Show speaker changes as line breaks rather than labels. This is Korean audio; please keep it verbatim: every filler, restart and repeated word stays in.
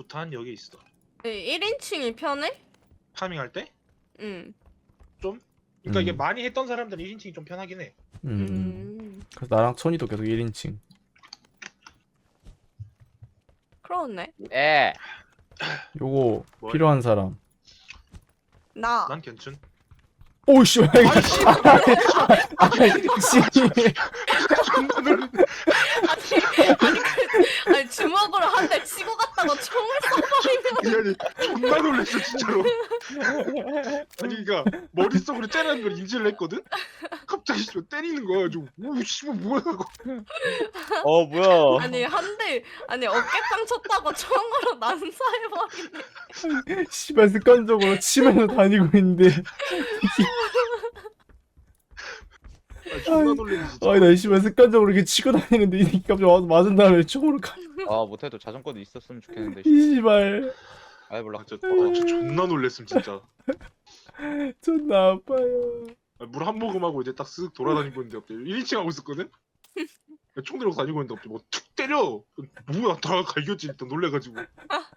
구탄 여기 있어.
일 인칭이 편해?
파밍할 때?
응.
좀? 그러니까
음.
이게 많이 했던 사람들은 일 인칭이 좀 편하긴 해.
음, 음.
음.
그래서 나랑 천이도 계속 일 인칭.
그러네.
에.
요거
뭘?
필요한 사람.
나.
난 괜찮.
오씨.
아이씨.
아이씨.
존나 놀래.
아니, 그, 아니 주먹으로 한 대 치고 갔다가 총을 쏴버리면.
아니 존나 놀랬어 진짜로. 아니 그니까 머릿속으로 째라는 걸 인지를 했거든? 갑자기 씨발 때리는 거야. 좀 오 씨발 뭐야 이거.
어 뭐야?
아니 한 대 아니 어깨빵 쳤다고 총으로 난사해버리네.
씨발 습관적으로 치면서 다니고 있는데.
아, 존나 놀래네 진짜.
아니 나 씨발 습관적으로 이렇게 치고 다니는데 이 새끼 갑자기 와서 맞은 다음에 총으로 가.
아 못해도 자전거도 있었으면 좋겠는데.
이 씨발
아이 몰라.
아, 진짜, 아, 진짜 존나 놀랬음 진짜.
존나 아파요.
물 한 모금 하고 이제 딱 쓱 돌아다니고 있는데 갑자기 일 인칭 하고 있었거든? 총 들고 다니고 있는데 갑자기 뭐 툭 때려. 뭐야 다 갈겼지 일단 놀래가지고.